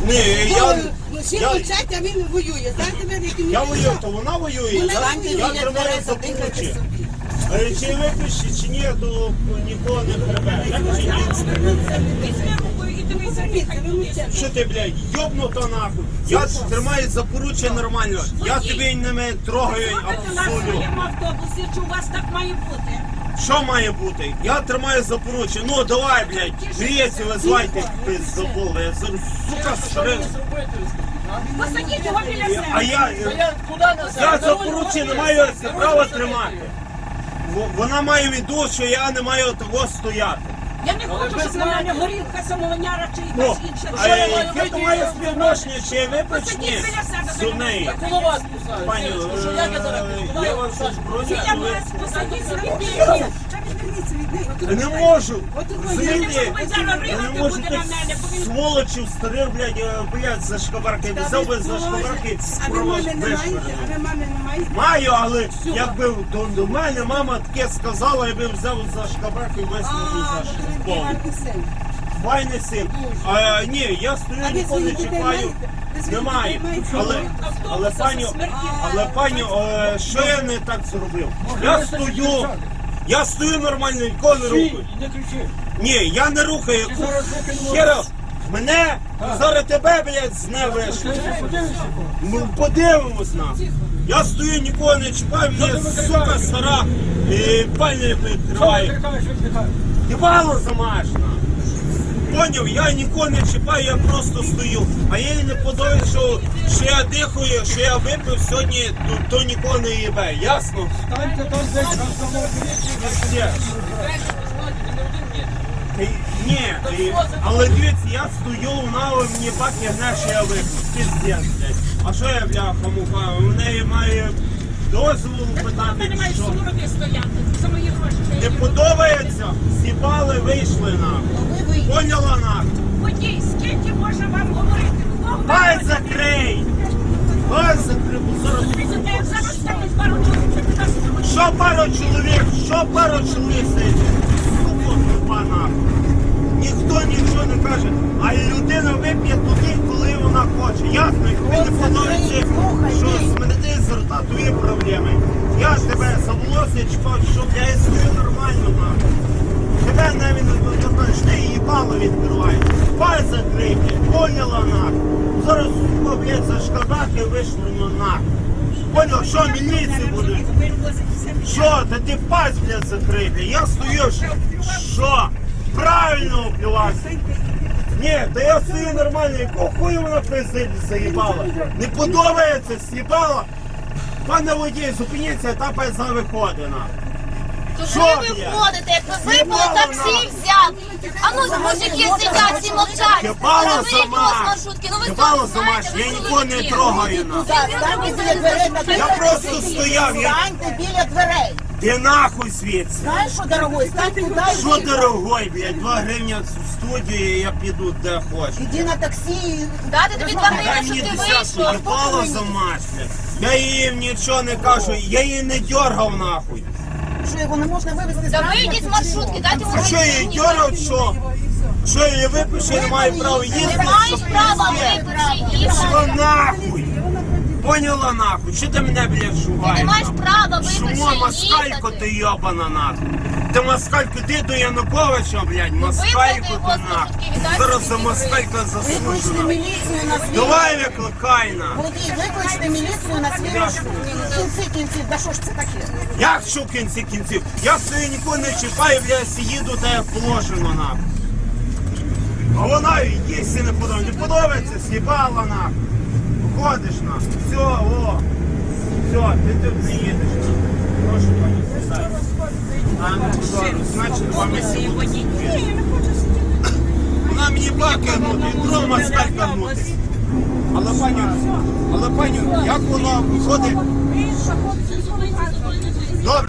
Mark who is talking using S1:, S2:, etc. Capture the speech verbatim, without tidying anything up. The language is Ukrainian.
S1: Ні, я...
S2: Всі
S1: я-
S2: мовчать, а він воює. Знаєте, ви, як він
S1: Я
S2: воює?
S1: воюю, то вона воює.
S2: Вона
S1: Я,
S2: воює,
S1: я
S2: біля
S1: тримаю
S2: дверей
S1: за
S2: задихайте
S1: поручі.
S2: собі.
S1: Е, Чи випиші, чи ні, то нікого не хребе. Так чи ні? Що ти, блядь, йобнута нахуй? Я тримаю за поруччя нормально. Я тебе не трогаю, абсолютно.
S3: В автобусі, чи у вас так має бути?
S1: Що має бути? Я тримаю за поруччя. Ну давай, блядь, гріється, визвайте, пиздобол. Я зараз, сука, шриф.
S3: Посадіть його біля себе.
S1: А я, я за поруччя не маю права тримати. Во- Вона має віду, що я не маю того стояти.
S3: Я не хочу, щоб на мене горілка, самовиняра чи
S1: Ну,
S3: якась інша.
S1: а яке то має співношення, чи я випечні
S3: Посадіть біля себе.
S1: з неї?
S4: Коло вас кусаю.
S1: Пані,
S4: Що як я зараз
S1: е,
S4: буду?
S1: я вас щось броню,
S3: Я
S1: ви...
S3: вас посадіть собі біля себе.
S1: Я не можу.
S3: Я не
S1: Звідти,
S3: можу, ви зараз
S1: я не
S3: ригати
S1: можу
S3: буде
S1: тих
S3: на мене, бо він...
S1: сволочів старих, блядь, е, блядь, за шкабарки. Взяв би за шкабарки,
S2: А ви
S1: провоз
S2: мами не маєте?
S1: вишвирнув.
S2: А ви мами не маєте?
S1: Маю, але якби до, до мене мама таке сказала, я би взяв за шкабарки і висунув
S2: А,
S1: за
S2: то ви
S1: шкабарки.
S2: гарний син.
S1: Файний син. А, ні, я стою,
S2: А ви
S1: ніколи не
S2: своїх дітей
S1: чіпаю.
S2: маєте? Ви своїх
S1: Немає.
S2: дітей маєте?
S1: Але, але пані, але пані, е, що я не так зробив? Я стою, я стою нормально, ніколи не рухаю.
S4: Не кричи.
S1: Ні, я не рухаю. Хера, мене, зараз тебе, блядь, з не вийшло. Ну, подивимось на. Я стою, нікого не чіпаю, мені, сука, стара, і пальник
S4: Що ти
S1: відкриває.
S4: крикаєш, що ти крикаєш?
S1: Єбало замашна. Поняв, я нікого не чіпаю, я просто стою. А їй не подобається, що, що я дихаю, що я випив сьогодні, то, то нікого не їбе. Ясно?
S4: Станьте там десь на самому
S1: Є. Та й- Ні, і- але дивіться, я стою, вона мені баки гне, що я випив. Піздець, блядь. А що я, бляха, муха? У неї має дозволу
S3: Ти
S1: питати,
S3: не маєш
S1: що?
S3: сумороди стояти. За мої гроші.
S1: Не подобається? З'їбали, вийшли нахуй. Поняла нахуй?
S3: Водій, скільки можна вам говорити? Хто
S1: Хай закрий! Хай закрий, бо зараз...
S3: Президент зараз ставить пару чоловік, це нас не
S1: Що пару чоловік? Що пару чоловік сидить? Сука, тупа нахуй. Ніхто нічого не каже, а людина вип'є туди, коли вона хоче. Ясно, і тобі не подобається, що смерти з рта, твої проблеми. Я тебе за волосся чіпав, щоб я і стою нормально нахуй. Тебе навіть не знаєш, ти їбало відкриваєш. Пай закрийте, поняла нахуй. Зараз, сука, блядь, за шкадаки вишвырну нахуй. Понял, що міліції буде? Що? Та ти пасть, блядь, закрити. Я стою, що? Що? Правильно впливався. Ні, та я стою нормально, якого хуя вона президент заїбала? Не подобається, з'їбала? Пане водій, зупиніться, та пизда виходить нахуй.
S5: То
S1: Що,
S5: ви
S1: блядь?
S5: виходите, як ви випили
S1: Їбало
S5: таксі
S1: нахуй.
S5: взяв. А ну, мужики сидять, всі мовчать.
S1: Їбало
S5: Та вийдіть
S1: замаш.
S5: з маршрутки. Ну ви
S1: Їбало
S5: самі знаєте,
S1: замаш,
S5: ви
S1: я нікого не
S5: чоловіки.
S1: трогаю нахуй.
S2: Станьте біля дверей на
S1: Я просто стояв, я...
S2: Станьте біля дверей.
S1: Ти нахуй звідси.
S2: Знаєш що, дорогой, стань туди і
S1: Що
S2: йди.
S1: дорогой, блядь, два гривні в студію, і я піду де хочу.
S2: Іди на таксі.
S5: Дати тобі два
S1: Дай
S5: гривні,
S1: мені
S5: щоб ти
S1: десятку,
S5: вийшов.
S1: їбало за мать, блядь. Я їм нічого не кажу, я її не дьоргав нахуй.
S2: Що, його не можна вивезти з
S5: Та
S2: транспорту,
S5: вийдіть з
S2: чи
S5: маршрутки,
S2: що?
S5: дайте
S1: А що я її дьоргав, що? Що я її випишу, я не маю права їздити?
S5: Не маєш
S1: щоб
S5: права
S1: пиздець.
S5: випити їх.
S1: Що нахуй? Поняла нахуй? Що ти мене, блядь, шугаєш?
S5: Ти не маєш
S1: нахуй?
S5: права випити
S1: Шумо, москалько
S5: їхати.
S1: ти йобана нахуй. Ти москалько, ти до Януковича, блядь, москалько
S5: його
S1: ти
S5: з
S1: нахуй.
S5: маршрутки, віддай
S1: Зараз за
S5: мені
S1: москалька
S2: Викличте
S1: заслужена.
S2: міліцію на свій.
S1: Давай викликай на.
S2: Водій, викличте міліцію на свій маршрут. В кінці кінців, да що ж це таке?
S1: Як що в кінці кінців? Я стою нікого не чіпаю, блядь, їду та як положено нахуй. А вона їсти не подобається. Не подобається, з'їбала нахуй. Виходиш нахуй. Все, о. Все, ти тут не їдеш нахуй. Прошу, пані, сідай. А, ну, добре, значить, вам і сьогодні. Вона мені баки гнути, і дров москалька гнути. Але пані, але пані, як воно виходить? Добре.